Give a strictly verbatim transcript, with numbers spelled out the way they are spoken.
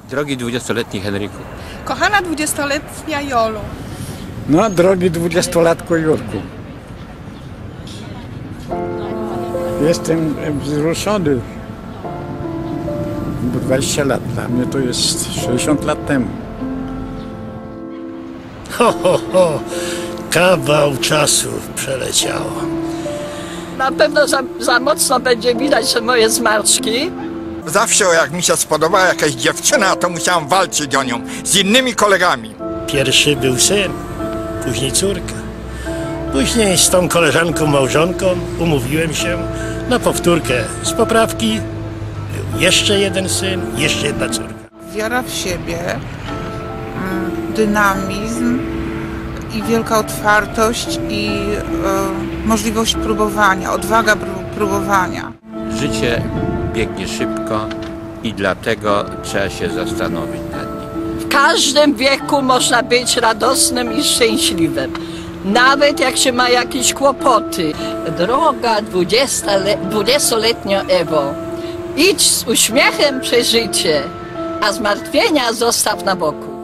Drogi dwudziestoletni Henryku. Kochana dwudziestoletnia Jolu. No, drogi dwudziestolatku Jurku. Jestem wzruszony. Bo dwadzieścia lat, dla mnie to jest sześćdziesiąt lat temu. Ho, ho, ho, kawał czasu przeleciało. Na pewno za, za mocno będzie widać te moje zmarszczki. Zawsze jak mi się spodobała jakaś dziewczyna, to musiałam walczyć o nią z innymi kolegami. Pierwszy był syn, później córka. Później z tą koleżanką, małżonką umówiłem się na powtórkę z poprawki. Był jeszcze jeden syn, jeszcze jedna córka. Wiara w siebie, dynamizm i wielka otwartość i y, możliwość próbowania, odwaga próbowania. Życie biegnie szybko i dlatego trzeba się zastanowić nad nim. W każdym wieku można być radosnym i szczęśliwym. Nawet jak się ma jakieś kłopoty. Droga dwudziestoletnia Ewo, idź z uśmiechem przez życie, a zmartwienia zostaw na boku.